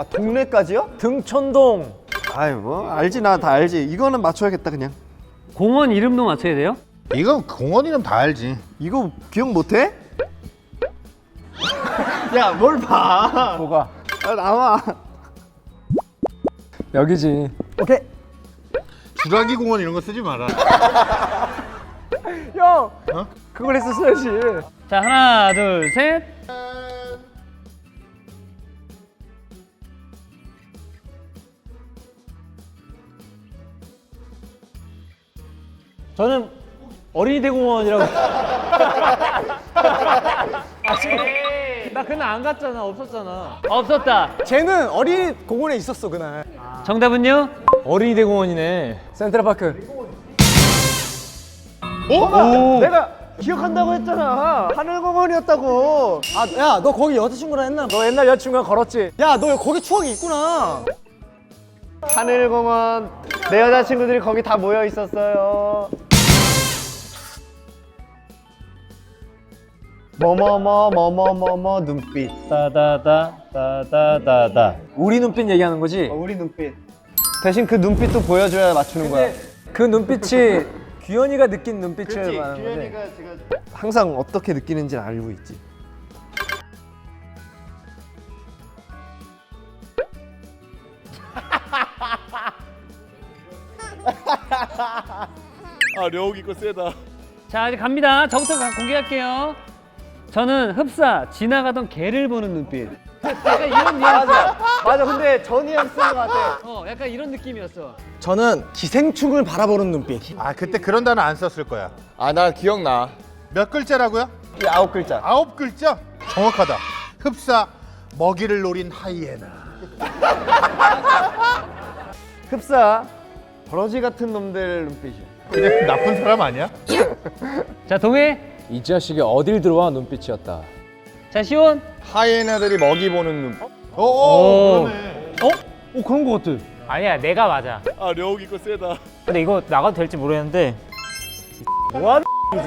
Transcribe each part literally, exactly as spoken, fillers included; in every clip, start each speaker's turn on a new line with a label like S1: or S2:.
S1: 아 동네까지요?
S2: 등촌동.
S1: 아이 뭐 알지 나 다 알지. 이거는 맞춰야겠다 그냥.
S3: 공원 이름도 맞춰야 돼요?
S4: 이거 공원 이름 다 알지.
S1: 이거 기억 못해? 야 뭘 봐.
S2: 뭐가?
S1: 아, 나와.
S2: 여기지.
S1: 오케이.
S4: 주라기 공원 이런 거 쓰지 마라.
S2: 형.
S4: 어?
S2: 그걸 했었어야지.
S3: 자, 하나, 둘, 셋.
S2: 저는 어린이 대공원이라고. 아, 지금 나 그날 안 갔잖아. 없었잖아.
S3: 없었다.
S5: 쟤는 어린이 공원에 있었어 그날.
S3: 정답은요?
S2: 어린이 대공원이네. 센트럴파크.
S1: 어? 내가 기억한다고 했잖아. 하늘공원이었다고.
S5: 아, 야, 너 거기 여자친구랑 했나?
S2: 너 옛날 여자친구랑 걸었지?
S5: 야, 너 거기 추억이 있구나.
S1: 하늘공원. 내 여자친구들이 거기 다 모여 있었어요. 뭐뭐뭐 뭐뭐뭐뭐 눈빛.
S3: 따다다, 따다다다.
S2: 우리 눈빛 얘기하는 거지?
S1: 어, 우리 눈빛. 대신 그 눈빛도 보여줘야 맞추는 거야.
S2: 그 눈빛이 규현이가 느낀 눈빛을 말하는 거지?
S1: 제가 항상 어떻게 느끼는지 알고 있지.
S4: 아 려욱이 거 세다.
S3: 자, 이제 갑니다. 저부터 가- 공개할게요. 저는 흡사, 지나가던 개를 보는 눈빛. 약간 이런 뉘앙스.
S1: 맞아. 근데 전이랑 쓴 거 같아.
S3: 어, 약간 이런 느낌이었어.
S5: 저는 기생충을 바라보는 눈빛.
S4: 아 그때 그런 단어 안 썼을 거야.
S6: 아, 나 기억나.
S4: 몇 글자라고요?
S1: 이 아홉 글자.
S4: 아홉 글자? 정확하다. 흡사 먹이를 노린 하이에나.
S1: 흡사. 버러지 같은 놈들 눈빛이야.
S4: 그냥 나쁜 사람 아니야?
S3: 자, 동해.
S2: 이 자식이 어딜 들어와 눈빛이었다.
S3: 자, 시온.
S6: 하이에나들이 먹이 보는 눈.
S4: 오,
S3: 오.
S4: 그러네.
S2: 오 그런 거 같아.
S7: 아니야, 내가 맞아.
S4: 아 려욱이 거 세다.
S7: 근데 이거 나가도 될지 모르겠는데
S3: 이게 뭐하는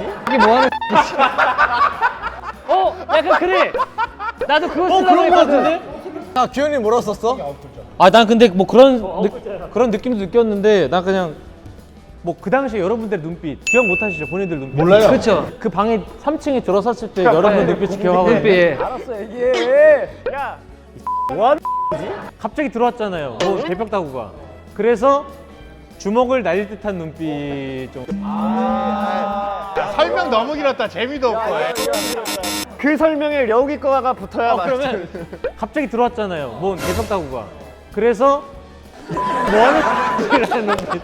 S3: 어, 약간 그래. 나도 그거 쓰려고 했거든.
S5: 아, 규현이 뭐라고 썼어?
S2: 아 난 근데 뭐 그런 느, 그런 느낌도 느꼈는데 나 그냥 뭐 그 당시에 여러분들 눈빛 기억 못 하시죠? 본인들 눈빛
S4: 몰라요.
S3: 그렇죠.
S2: 그 방에 삼 층에 들어섰을 때 여러분 눈빛이 기억하고
S3: 눈빛.
S2: 알았어 얘기해. 야 뭐하는 지 갑자기 들어왔잖아요. 뭐 대벽 타구가. 그래서 주먹을 날릴 듯한 눈빛 좀.
S4: 야, 설명 너무 길었다. 재미도 없고.
S1: 그 설명에 려욱이 거가 붙어야
S2: 어,
S1: 맞
S2: 그러면 갑자기 들어왔잖아요. 뭐 대벽 타구가. 그래서 뭐하는 이라는 눈빛.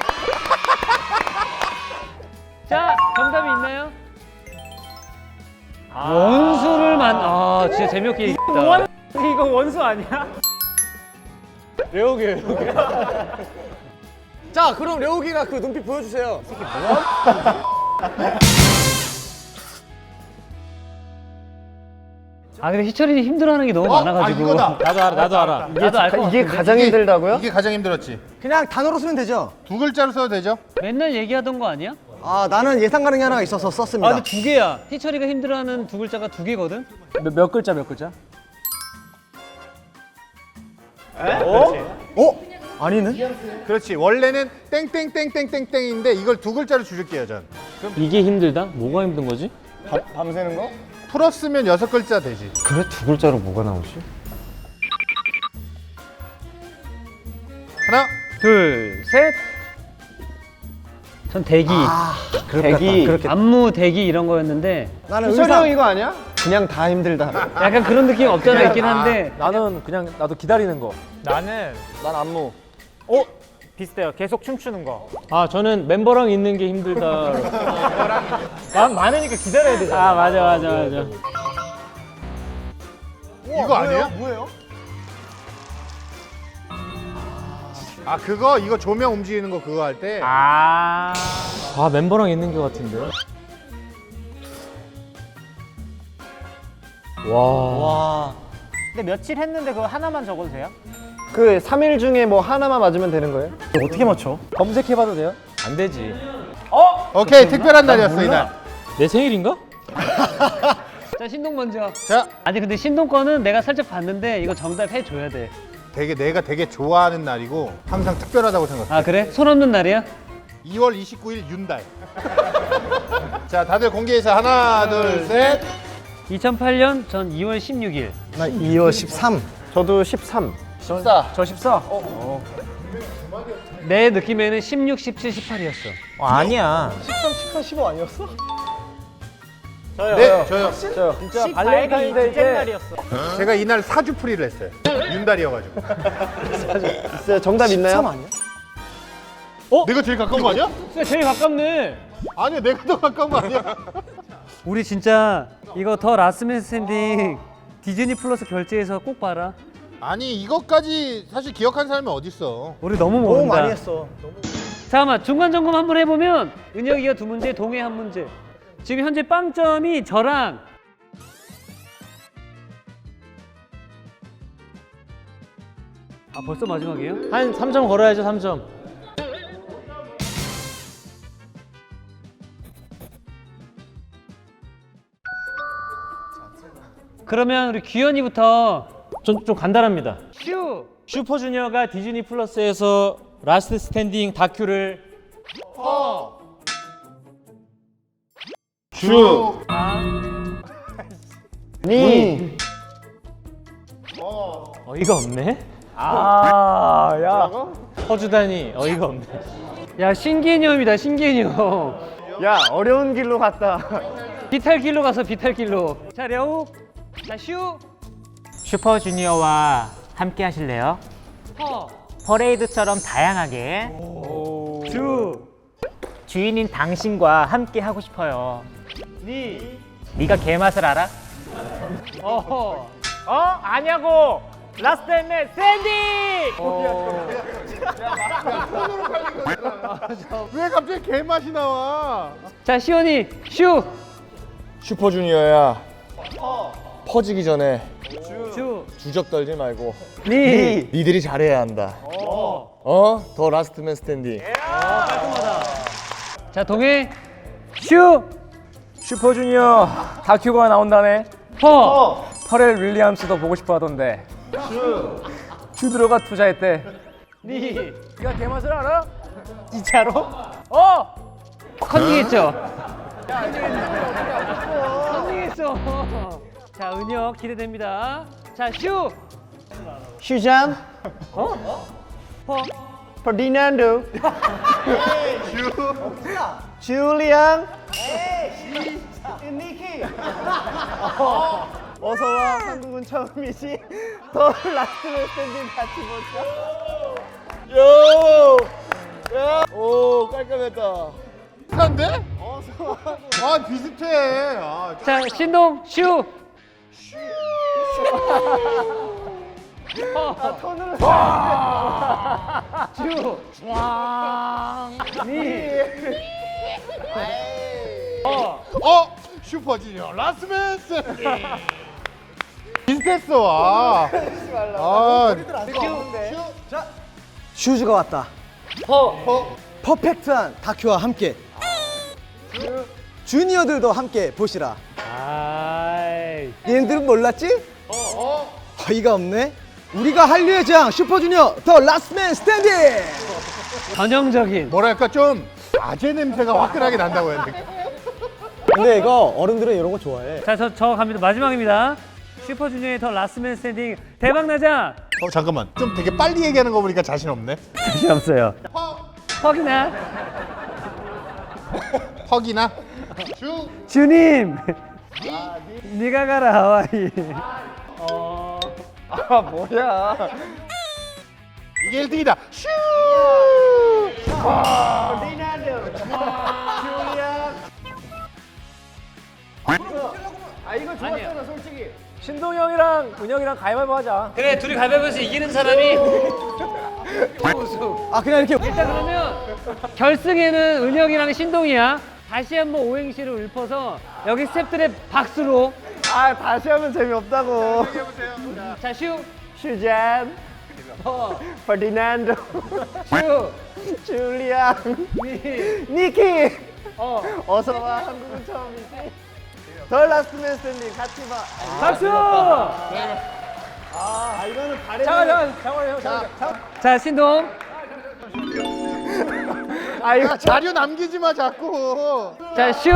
S3: 자, 정답이 있나요? 원수를 만, 아, 진짜 재미없게 얘기했다.
S2: 이거 원수 아니야? 레오게 레오게.
S5: 자, 그럼 려욱이가 그 눈빛 보여주세요.
S3: 아, 근데 희철이 힘들어하는 게 너무 많아가지고.
S4: 아, 이거다.
S2: 나도 알아 나도 알아.
S3: 나도 알 것 같아.
S1: 이게 가장 힘들다고요?
S4: 이게 가장 힘들었지.
S5: 그냥 단어로 쓰면 되죠?
S4: 두 글자로 써도 되죠?
S3: 맨날 얘기하던 거 아니야?
S5: 아, 나는 예상 가능이 하나가 있어서 썼습니다.
S3: 아, 근데 두 개야. 희철이가 힘들어하는 두 글자가 두 개거든?
S2: 몇, 몇 글자 몇 글자?
S5: 어? 아니네?
S4: 그렇지. 원래는 땡땡땡땡땡땡인데 이걸 두 글자로 줄일게요 전.
S2: 이게 힘들다? 뭐가 힘든 거지?
S1: 밤새는 거?
S4: 풀었으면 여섯 글자 되지.
S1: 그래 두 글자로 뭐가 나오지?
S4: 하나.
S3: 둘, 셋. 전 대기.
S1: 대기.
S3: 안무, 대기 이런 거였는데
S5: 나는
S1: 희철이 형
S5: 의상.
S1: 이거 아니야? 그냥 다 힘들다.
S3: 약간 그런 느낌 없잖아 있긴 한데
S2: 나는 그냥 나도 기다리는 거.
S7: 나는
S6: 난 안무.
S7: 어? 비슷해요. 계속 춤추는 거.
S2: 아 저는 멤버랑 있는 게 힘들다.
S7: 난 많으니까 기다려야 되잖아.
S3: 아, 맞아, 맞아, 맞아.
S4: 이거 아니에요?
S5: 뭐예요?
S4: 아 그거 이거 조명 움직이는 거 그거 할 때.
S7: 아.
S2: 아 멤버랑 있는 게 같은데. 와.
S5: 와.
S7: 근데 며칠 했는데 그거 하나만 적어도 돼요?
S1: 그 삼 일 중에 뭐 하나만 맞으면 되는 거예요?
S5: 어떻게 맞춰?
S2: 검색해봐도 돼요? 안 되지.
S4: 오케이 특별한 날이었어 이날.
S2: 내 생일인가?
S3: 자, 신동 먼저.
S4: 자
S3: 아니, 근데 신동 거는 내가 살짝 봤는데 이거 정답 해줘야 돼.
S4: 되게 내가 되게 좋아하는 날이고 항상 특별하다고 생각해.
S3: 아 그래? 손 없는 날이야?
S4: 이월 이십구일 윤달. 자, 다들 공개해서 하나, 둘, 셋.
S3: 이천팔 년 전 이월 십육일.
S1: 나 이월 십삼. 저도 십삼.
S6: 십사.
S1: 저 십사.
S3: 내 느낌에는 십육, 십칠, 십팔이었어.
S1: 어, 아니야.
S5: 십삼, 십사, 십오 아니었어?
S4: 네, 저요.
S1: 저요.
S7: 진짜 발렌타인데이 때 날이었어.
S4: 제가 이날 사주풀이를 했어요. 윤달이어가지고.
S1: 있어요. 정답 있나요?
S7: 아니야?
S4: 내가 제일 가까운 거 아니야?
S2: 진짜 제일 가깝네.
S4: 아니야, 내가 더 가까운 거 아니야?
S3: 우리 진짜 이거 더 라스트 스탠딩 디즈니 플러스 결제해서 꼭 봐라.
S4: 아니, 이것까지 사실 기억한 사람이 어딨어.
S3: 우리 너무
S1: 너무
S3: 모른다.
S1: 많이 했어.
S3: 잠깐만 중간 점검 한번 해보면 은혁이가 두 문제, 동해 한 문제. 지금 현재 빵점이 저랑 아 벌써 마지막이에요?
S2: 한 삼 점 걸어야죠, 삼 점.
S3: 그러면 우리 규현이부터
S2: 좀, 좀 간단합니다.
S3: 슈!
S2: 슈퍼주니어가 디즈니 플러스에서 라스트 스탠딩 다큐를
S4: 주.
S1: 니.
S2: 어이가 없네.
S1: 아, 야.
S2: 퍼주다니 어이가 없네.
S3: 야 신개념이다 신개념.
S1: 야, 어려운 길로 갔다.
S3: 비탈길로 가서 비탈길로. 자 려욱. 자 슈.
S7: 슈퍼주니어와 함께 하실래요?
S3: 퍼.
S7: 퍼레이드처럼 다양하게
S3: 주.
S7: 주인인 당신과 함께 하고 싶어요.
S3: 니.
S7: 네가 개맛을 알아?
S3: 어허.
S7: 어? 아냐고! 라스트 앤맨 샌디!
S4: 왜 갑자기 개맛이 나와?
S3: 자 시원이 슈.
S6: 슈퍼주니어야. 퍼지기 전에
S3: 주.
S6: 주접 떨지 말고
S1: 니.
S6: 니들이 잘해야 한다. 어? 더 라스트맨 스탠딩.
S3: 자 동해 슈.
S7: 슈퍼주니어 다큐가 나온다네.
S3: 퍼.
S7: 퍼렐 윌리엄스도 보고 싶어 하던데. 슈드로가 투자했대.
S3: 니.
S7: 네가 개맛을 알아?
S3: 진짜로?
S7: 어!
S3: 컨닝했죠? 컨닝했어. 자 은혁 기대됩니다. 자 슈.
S1: 슈잔.
S3: 어? 퍼.
S1: 퍼디난도. 줄리안. 니키. 어서 와. 한국은 처음이지. 더 라스트 스탠딩 같이 보자.
S6: 요! 야! 오, 깔끔했다.
S4: 비슷한데? 아, 비슷해. 아,
S3: 자 신동 슈. 아,
S1: 톤으로.
S3: 슈. 니. 어.
S4: 어? 슈퍼주니어 라스맨 스탠딩. 비슷했어. 아. 아,
S1: 슈즈가 왔다.
S3: 퍼.
S1: 퍼펙트한 다큐와 함께. 주니어들도 함께 보시라.
S3: 아이.
S1: 얘네들은 몰랐지? 어이가 없네. 우리가 한류의 장 슈퍼주니어 더 라스트맨 스탠딩.
S3: 전형적인.
S4: 뭐랄까 좀 아재 냄새가 화끈하게 난다고 해야 돼.
S1: 근데 이거 어른들은 이런 거 좋아해.
S3: 자, 저, 저 갑니다. 마지막입니다. 슈퍼주니어의 더 라스트맨 스탠딩 대박 나자.
S4: 어, 잠깐만. 좀 되게 빨리 얘기하는 거 보니까 자신 없네.
S3: 자신 없어요. 퍽이나
S4: 퍽이나 주.
S3: 주님. 네가 가라 하와이.
S1: 아 뭐야?
S4: 이게 일 등이다. 슈.
S7: 아 이거 좋았잖아 솔직히. 신동이 형이랑 은혁이랑 가위바위보 하자.
S3: 그래, 둘이 가위바위보에서 이기는 사람이
S1: 아 그냥 이렇게.
S3: 일단 그러면 결승에는 은혁이랑 신동이야. 다시 한번 오행시를 읊어서 여기 스태프들의 박수로.
S1: 아 다시 하면 재미없다고.
S3: 자, 슈.
S1: 슈잔.
S3: 퍼.
S1: 퍼디난도.
S3: 슈.
S1: 줄리안.
S3: 니.
S1: 니키.
S3: 어.
S1: 어서 와. 한국은 처음이지. 더 라스트맨 스탠딩 같이 봐.
S3: 박수!
S1: 아, 이거는 발에.
S7: 잠깐 잠깐 잠깐만요. 잠깐.
S3: 자, 신동.
S4: 야, 자료 남기지 마 자꾸.
S3: 자, 슈.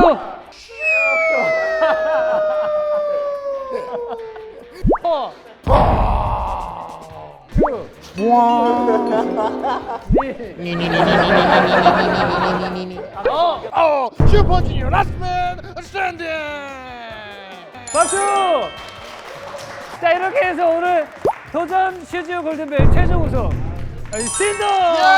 S3: 어.
S4: 어, 슈퍼주니어 라스트맨 스탠딩.
S3: 박수! 자, 이렇게 해서 오늘 도전 슈즈 골든벨 최종 우승 신동!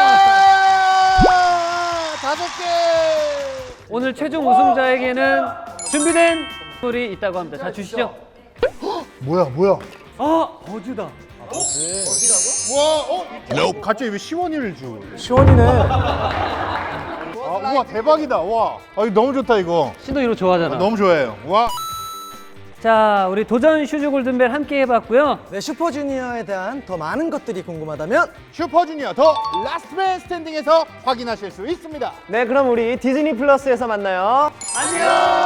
S4: 다섯 개.
S3: 오늘 최종 우승자에게는 준비된 선물이 있다고 합니다. 자, 주시죠.
S4: 뭐야 뭐야?
S3: 아, 버즈다.
S4: 와, 어? 갑자기 왜 시원이를 줘?
S7: 시원이네.
S4: 아, 우와 대박이다. 와, 아, 이거 너무 좋다 이거.
S3: 신동 이거 좋아하잖아.
S4: 너무 좋아해요. 와.
S3: 자, 우리 도전 슈즈 골든벨 함께 해봤고요.
S1: 네, 슈퍼주니어에 대한 더 많은 것들이 궁금하다면
S4: 슈퍼주니어 더 라스트맨 스탠딩에서 확인하실 수 있습니다.
S5: 네, 그럼 우리 디즈니 플러스에서 만나요.
S3: 안녕!